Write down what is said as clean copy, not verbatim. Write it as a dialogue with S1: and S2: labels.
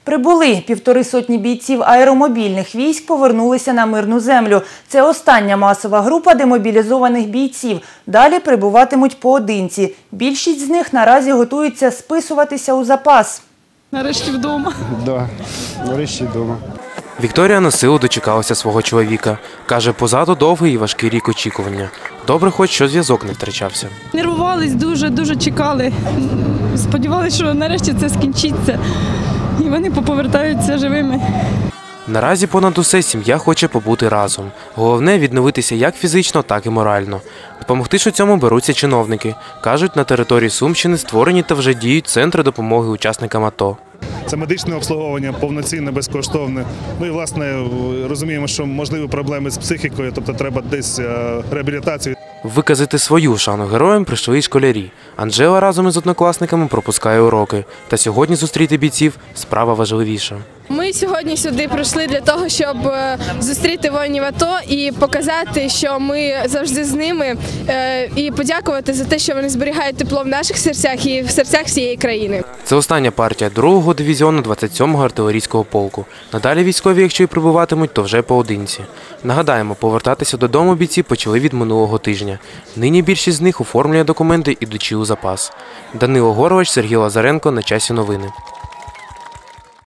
S1: Прибули 150 бійців аеромобільних військ повернулися на мирну землю. Це остання масова група демобілізованих бійців. Далі прибуватимуть поодинці. Більшість з них наразі готуються списуватися у запас.
S2: Нарешті вдома.
S3: Так, нарешті вдома.
S4: Вікторія на силу дочекалася свого чоловіка. Каже, позаду довгий і важкий рік очікування. Добре хоч, що зв'язок не втрачався.
S2: Нервувались дуже чекали. Сподівалися, що нарешті це скінчиться. І вони поповертаються живими.
S4: Наразі понад усе сім'я хоче побути разом. Головне – відновитися як фізично, так і морально. Допомогти ж у цьому беруться чиновники. Кажуть, на території Сумщини створені та вже діють центри допомоги учасникам АТО.
S5: Це медичне обслуговування, повноцінне, безкоштовне. Ну і, власне, розуміємо, що можливі проблеми з психікою, тобто треба десь реабілітацію.
S4: Виказати свою шану героям прийшли й школярі. Анжела разом із однокласниками пропускає уроки. Та сьогодні зустріти бійців – справа важливіша.
S6: Ми сьогодні сюди прийшли для того, щоб зустріти воїнів АТО і показати, що ми завжди з ними, і подякувати за те, що вони зберігають тепло в наших серцях і в серцях всієї країни.
S4: Це остання партія 2-го дивізіону 27-го артилерійського полку. Надалі військові, якщо й прибуватимуть, то вже поодинці. Нагадаємо, повертатися додому бійці почали від минулого тижня. Нині більшість з них оформлює документи, ідучи у запас. Данило Горович, Сергій Лазаренко. На часі новини.